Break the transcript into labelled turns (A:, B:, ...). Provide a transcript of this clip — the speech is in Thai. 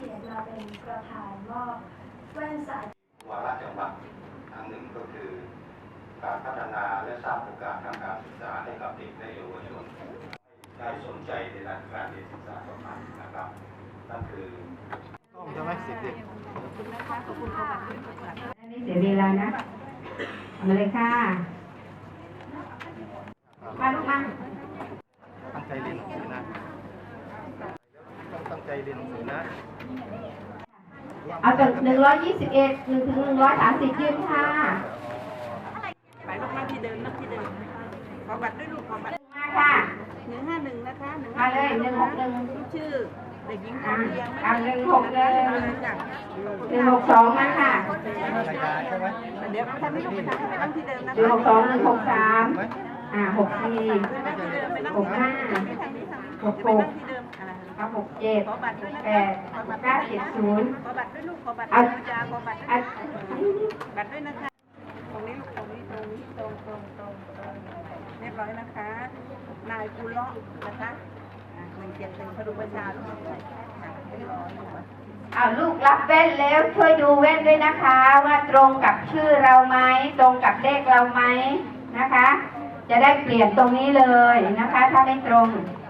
A: กียรติมาเป็นประธานมอบแว่นสายวาระจังหวัดทางหนึ่งก็คือการพัฒนาและสร้างโอกาสทางการศึกษาให้กับเด็กและเยาวชนได้สนใจในด้านการเรียนศึกษาต่อไปนะครับนั่นคือต้องจะไม่สิทธิ์ขอบคุณนะคะขอบคุณค่ะ
B: ไม่เสียเวลานะมาเลยค่ะมาลูกมา
A: ตั้งใจเรียนหนังสือนะต้องตั้งใจเรียนหนังสือนะ
B: เอาจาก121 1 ถึง 130ยืนค่ะ
C: ไปลูกนั่งที่เดิมนั่งที่เดิมขอบัตรด้วยลูกขอบัตร
B: มาค่ะ
C: 151นะคะ
B: มาเลย161
C: ชื่อเด็กหญิงทองเรียง
B: 162มาค่ะ
C: เดี๋ยวท่านไม่ลูกไปทางไปนั่งที่เดิมนะ
B: 162 163 64 65 66 67 68 970
C: ขอบัตรด้วยลูกขอบัตรด้วยจ้าขอบัตรบัตรด้วยนะคะตรงนี้ลูกตรงนี้ตรงเรียบร้อยนะคะนายกุลเลาะนะคะ171พดุงประชาลูกเรียบร้อย
B: ลูกรับแว่นแล้วช่วยดูแว่นด้วยนะคะว่าตรงกับชื่อเราไหมตรงกับเลขเราไหมนะคะจะได้เปลี่ยนตรงนี้เลยนะคะถ้าไม่ตรง